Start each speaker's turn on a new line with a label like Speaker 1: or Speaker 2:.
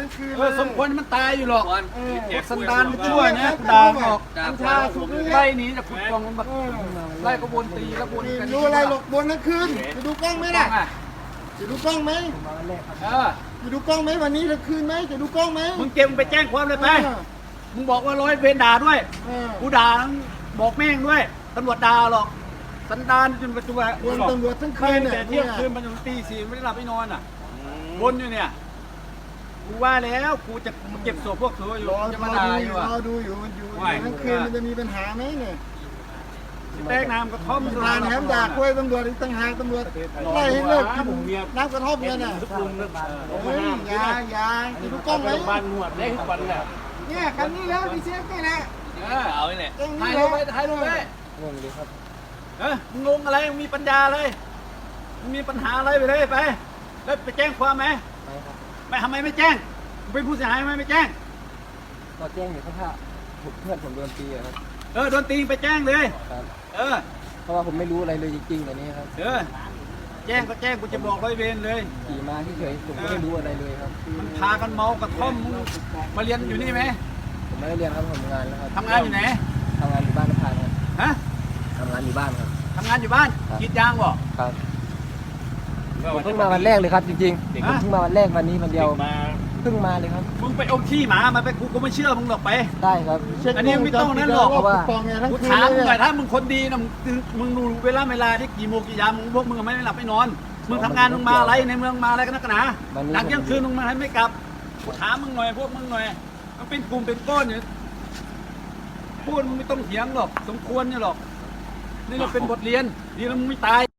Speaker 1: ทั้งคืน
Speaker 2: สมควรมันตายอยู่หรอก สันดาน
Speaker 1: มัน
Speaker 2: ชั่วเนี่ยด่าออก
Speaker 1: กัญชาสุกนี่
Speaker 2: ไล่หนีจากขุดกองมันไล่ก็วนตีแล้ววนกัน
Speaker 1: ดูอะไรหลบบนทั้งคืนจะดูกล้องไหมล่ะจะดูกล้องไหมจะดูกล้องไหมวันนี้ทั้งคืนไหมจะดูกล้องไหม
Speaker 2: มึงเก็บไปแจ้งความเลยไปมึงบอกว่าร้อยเวรด่าด้วยกูด่าทั้งบอกแม่งด้วยตำรวจด่าหรอกสันดานจนปัจจุบัน
Speaker 1: วนตำรวจทั้งคื
Speaker 2: คื
Speaker 1: น
Speaker 2: น
Speaker 1: เนี่ย
Speaker 2: แต่เที่ยงคืนมันจนตีสี่ไม่ได้หลับไม่นอนอ่ะวนอยู่เนี่ยกูว่าแล้วกูจะเก็บศพพวกเธออยู่จะมาด่าอยู่
Speaker 1: รอดูอยู่มันอยู่ทั้งคืนมันจะมีปัญหาไหมเนี่ย
Speaker 2: แป้งน้ำกระท่อม
Speaker 1: ทานแถมด่ากล้วยตำรวจอีกต่างหากตำรวจไล่ให้เลิกกินน้ำกระท่อมเนี่ยน่ะโอ้ยยาจะดูกล้องไหม
Speaker 3: บ้านนวดได้ทุกวันแหละ
Speaker 1: เนี่ยคันนี้แล้วพี่เชฟนี่แหละ
Speaker 3: เอาไว้เนี่ย
Speaker 2: ถ่ายรูปไปถ่ายรูปไป
Speaker 3: งงดีครับ
Speaker 2: มึงงงอะไรมึงมีปัญญาเลยมึงมีปัญหาอะไรไปเลยไปแล้วไปแจ้งความไหมไม่ทำไมไม่แจ้งเป็นผู้เสียหายไหมไม่แจ้ง
Speaker 3: ก็แจ้งอยู่ครับเพื่อนผมโดนตีครับ
Speaker 2: โดนตีไปแจ้งเลย
Speaker 3: ครับ
Speaker 2: เ
Speaker 3: เพราะว่าผมไม่รู้อะไรเลยจริงๆอันนี้ครับ
Speaker 2: แจ้งก็แจ้งกูจะบอกร้อยเวรเลย
Speaker 3: ขี่มาเฉยๆผมก็ไม่รู้อะไรเลยครับ
Speaker 2: มันพากันเมากระท่อมมึงมาเรียนอยู่นี่ไหม
Speaker 3: ผมไม่ได้เรียนครับผมทำงานแล้วครับ
Speaker 2: ทำงานอยู่ไหน
Speaker 3: ทำงานอยู่บ้านนภาครับ
Speaker 2: ฮะ
Speaker 3: ทำงานอยู่บ้านครับ
Speaker 2: ทำงานอยู่บ้านกรีดยางบ่
Speaker 3: ครับผมเพิ่งมาวันแรกเลยครับจริงๆผมเพิ่งมาวันแรกวันนี้วันเดียวเพิ่งมาเลยครับ
Speaker 2: มึงไปเอาขี้หมามาไปกูไม่เชื่อมึงหรอกไป
Speaker 3: ได้ครับ
Speaker 2: อันนี้ไม่ต้องนั่นหรอก
Speaker 3: เพราะว่า
Speaker 2: กูถามมึงหน่อยถ้ามึงคนดีนะมึงดูเวลาที่กี่โมงกี่ยามมึงพวกมึงไม่ได้หลับไม่นอนมึงทำงานมึงมาอะไรในเมืองมาอะไรกันนักหนาหลังเที่ยงคืนมึงมาให้ไม่กลับกูถามมึงหน่อยพวกมึงหน่อยมันเป็นกลุ่มเป็นก้อนอยู่พูดมึงไม่ต้องเถียงหรอกสมควรเนี่ยหรอกนี่เราเป็นบทเรียนดีแล้วมึงไม่ตาย